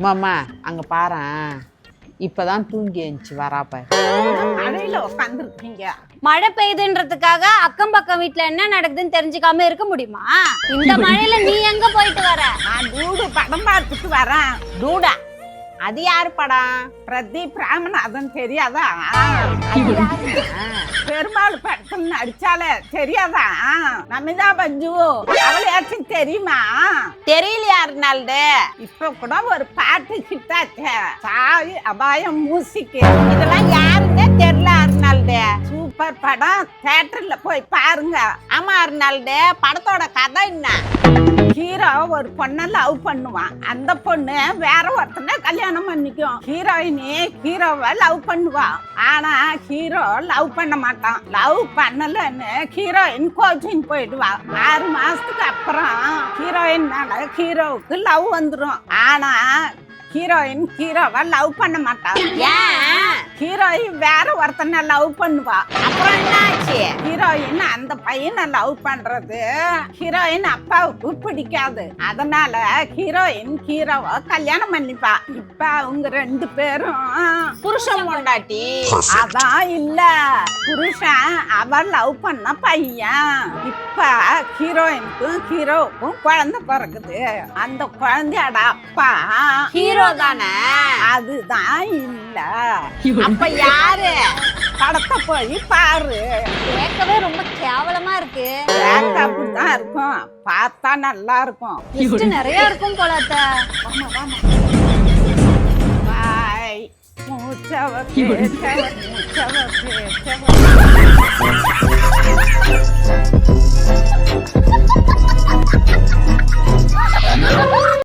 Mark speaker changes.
Speaker 1: மாமா அங்க பாரேன், இப்பதான் தூங்கி எழுந்துச்சு வராப்ப.
Speaker 2: மழையில உட்காந்துருக்கீங்க.
Speaker 3: மழை பெய்யுதுன்றதுக்காக அக்கம் பக்கம் வீட்டுல என்ன நடக்குதுன்னு தெரிஞ்சுக்காம இருக்க முடியுமா? இந்த மழையில நீ எங்க போயிட்டு வர?
Speaker 2: நான் டூடு படம் பார்த்துட்டு வரேன்.
Speaker 1: டூடா? அது யாரு படம்?
Speaker 2: பிரதீப் ராமநாதன் தெரியாதா? பெருமாள் படத்தில் நடிச்சாலே தெரியாதா? நமிதா பஞ்சு அவளையாச்சும் தெரியுமா?
Speaker 1: தெரியலையா அர்னால்டு?
Speaker 2: இப்ப கூட ஒரு பாட்டு ஹிட்டாச்சே, சாய் அபாயம் மூசிக்கு.
Speaker 1: இதெல்லாம் யாருன்னே தெரியல அர்னால்டு.
Speaker 2: சூப்பர் படம், தியேட்டர்ல போய் பாருங்க.
Speaker 1: ஆமா அர்னால்டு, படத்தோட கதை என்ன?
Speaker 2: ஹீரோ ஒரு பொண்ணை லவ் பண்ணுவான். அந்த பொண்ணு வேற ஒருத்தனை கல்யாணம் பண்ணிக்கும். ஹீரோயினி ஹீரோவை லவ் பண்ணுவா. ஆனா ஹீரோ லவ் பண்ண மாட்டான். லவ் பண்ணலன்னு ஹீரோயின் கோச்சிங் போயிடுவா. 6 மாசத்துக்கு அப்புறம் ஹீரோயின் மேல ஹீரோவுக்கு லவ் வந்துடும். ஆனா ஹீரோயின் ஹீரோவை லவ் பண்ண மாட்டா.
Speaker 1: ஏன்?
Speaker 2: ஹீரோயின் வேற ஒருத்தனை லவ் பண்ணுவா.
Speaker 1: அப்புறம் என்னாச்சு?
Speaker 2: ஹீரோயின் அந்த பையனை லவ் பண்றது ஹீரோயின் அப்பாவுக்கு பிடிக்காது. அதனால ஹீரோயின் ஹீரோவை கல்யாணம் பண்ணிப்பா. இப்ப அவங்க 2 பேரும்
Speaker 1: புருஷன் பொண்டாட்டி.
Speaker 2: அதான் இல்ல, புருஷன் அவ லவ் பண்ண பையன். இப்ப ஹீரோயினுக்கும் ஹீரோவுக்கும் குழந்தை பிறகுது. அந்த குழந்தையோட அப்பா
Speaker 1: ஹீரோ தானே?
Speaker 2: அதுதான் இல்ல.
Speaker 1: அப்ப யாரு?
Speaker 2: படத்தை போய் பாரு.
Speaker 3: கேட்கவே ரொம்ப கேவலமா இருக்கு.
Speaker 2: அப்படிதான் இருக்கும், பார்த்தா நல்லா இருக்கும்.
Speaker 3: லிஸ்ட் நிறைய இருக்கும் போல அத்தை.
Speaker 2: பாய். மூச்சவ பேச்சவ மூச்சவ பேச்சவ